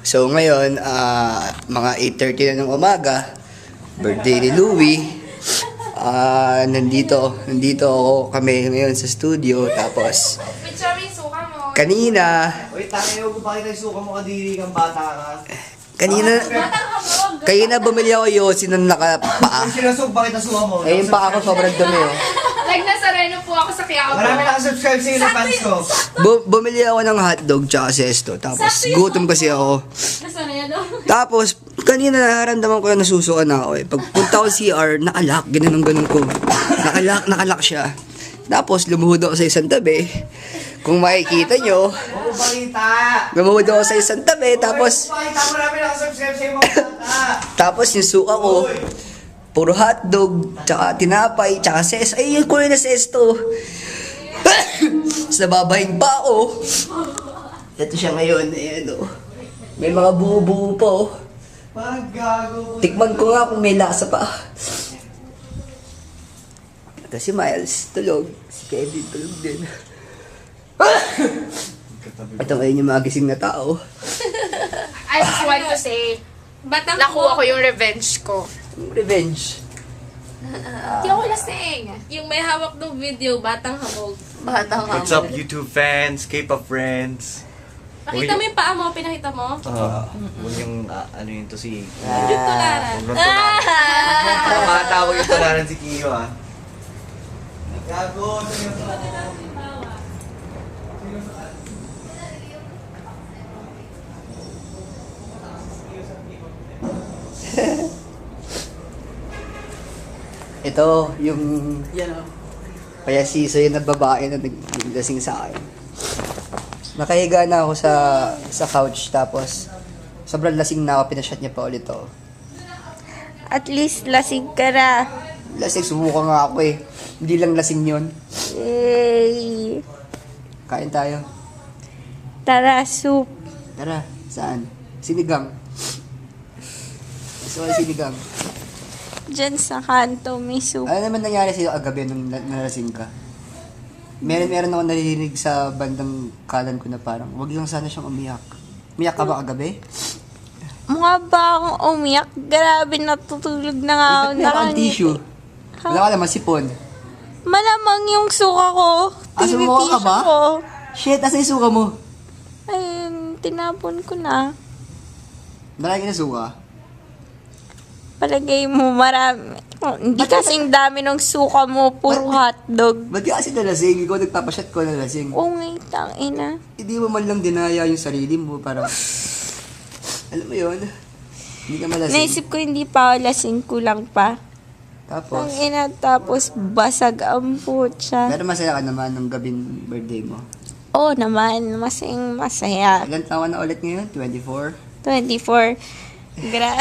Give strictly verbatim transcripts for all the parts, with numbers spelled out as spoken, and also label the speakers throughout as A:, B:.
A: So ngayon, ah, mga eight thirty na ng umaga, birthday ni Louie. Ah, nandito, nandito ako kami ngayon sa studio. Tapos,
B: Picture mo yung suka mo.
A: kanina,
C: Uy, tayo ko bakit ay suka mo kadiri kang bata ka?
A: kanina,
B: Batang habog.
A: kanina bumili ako yosi ng nakapaa.
C: Kung sinasog, bakit ang suka mo?
A: Eh, yung paa ko sobrang dumi, oh.
B: Like nasa Reno po ako sa Quiapo.
C: Marami nakasubscribe sa'yo na fans ko.
A: Bu- bumili ako ng hotdog tsaka sesto. Tapos, gutom kasi ako.
B: Nasa Reno.
A: Tapos, kanina nararamdaman ko na nasusuka na ako eh. Pagpunta ko sa C R, nakalak, ganun ganun ko. Nakalak, nakalak siya. Tapos, lumuhod ako sa isang tabi. Kung makikita nyo,
C: Oo, balita!
A: lumuhod ako sa isang tabi. Tapos,
C: Uy, balita, marami nakasubscribe sa'yo mga bata.
A: tapos yung suka ko, puro hotdog, tsaka tinapay, tsaka ses. Ay, yung kulay na sesto. Tapos nababahing pa ako. Ito siya ngayon, ayan o. May mga buo-buo pa oh.
C: Parang gago.
A: Tikman ko nga kung may lasa pa. Ito si Miles, tulog. Si Kevin, tulog din. Ito ngayon yung mga gising na tao.
B: I just want to say,
D: Batang
B: nakuha ko yung revenge ko.
A: Revenge.
B: Hindi ako lasing.
D: Yung may hawak ng video, batang hamog.
B: Batang
E: What's up, YouTube fans, K-pop friends?
D: Nakita mo yung paa mo, pinakita mo?
E: Uh, Huwag yung, ah, ano yun to si...
D: Yung tularan.
E: Huwag nang tularan. Tumatawag yung tularan si Kiyo, ah.
C: Gago, seryoso.
A: Ito, yung, yan o. Payasiso yun na babae na naglasing sa akin. Nakahiga na ako sa sa couch, tapos sobrang lasing na ako, pinashot niya pa ulit ako.
F: At least lasing ka na.
A: Lasing, sumuka nga ako eh. Hindi lang lasing yun.
F: Yay!
A: Kain tayo.
F: Tara, soup.
A: Tara, saan? Sinigang. Gusto ko ng sinigang.
F: Diyan sa kanto may soup.
A: Ano naman nangyari sa'yo agabi nung na- nalasing ka? Meron, meron ako naririnig sa bandang kalan ko na parang, wag lang sana siyang umiyak. Umiyak ka ba kagabi?
F: Mukha ba akong umiyak? Grabe, natutulog na nga ako.
A: Eh, ba't meron kang
F: nakangiti.
A: tissue? Wala ka naman sipon.
F: Malamang yung suka ko.
A: Ah, sumuka ka ba?
F: Ko.
A: Shit, asa yung suka mo?
F: Ayun, tinapon ko na.
A: Marami na suka.
F: Palagay mo, marami. Oh, hindi kasing dami ng suka mo, puro hotdog.
A: Ba't ka kasi nalasing? Ikaw nagpapasyat ko nalasing.
F: Oo nga, tangina.
A: Hindi mo man lang dinaya yung sarili mo. Parang, alam mo yun? Hindi ka malasing.
F: Naisip ko hindi pa ako lasing, kulang pa.
A: Tapos,
F: Tangina, tapos basag ang putya.
A: pero masaya ka naman nung gabing birthday mo.
F: Oo naman, masayang masaya.
A: Ilan taon na ulit ngayon? twenty-four?
F: twenty-four. Gra...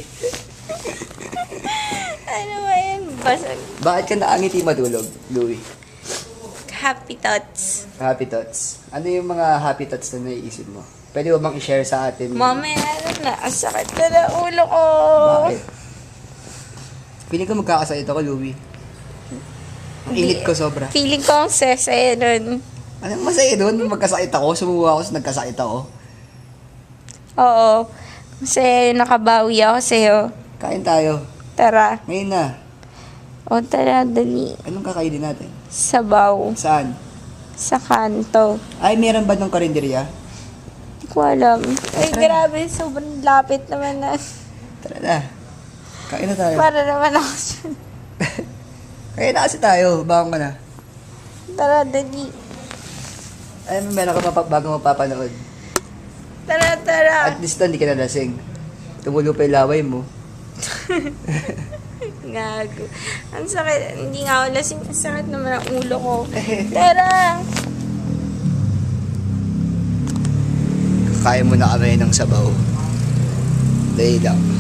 F: ano ba yan? Basag.
A: Bakit ka naangiti matulog, Louie?
F: Happy thoughts.
A: Happy thoughts. Ano yung mga happy thoughts na naiisip mo? Pwede mo bang i-share sa atin?
F: Mamaya na, ang sakit na ng ulo ko.
A: Bakit? Feeling ko magkakasakit ako, Louie. Ang init ko sobra.
F: Feeling ko ang sesaya nun.
A: Anong masaya doon? Magkasakit ako, sumuha ako sa nagkasakit ako.
F: Oo. Masaya yung nakabawi ako sa'yo.
A: Kain tayo.
F: Tara.
A: Ngayon na.
F: O tara, dali.
A: Anong kakainin natin?
F: Sabaw.
A: Saan?
F: Sa kanto.
A: Ay, meron ba ng karinderya?
F: Hindi ko alam. Ay, grabe. Sobrang lapit naman na.
A: Tara na. Kain na tayo.
F: Para naman ako dyan.
A: Kain na kasi tayo. Bakong ka na.
F: Tara, dali.
A: Ay, meron ka mapa- bago mapapanood.
F: Tara, tara.
A: At least hindi ka nalasing. Tumulo pa yung laway mo.
F: Gago. Ang sakit. Hindi nga ako lasing. Ang sakit naman ang ulo ko. Tara.
A: Kaya mo na kami ng sabaw. Dahil lang.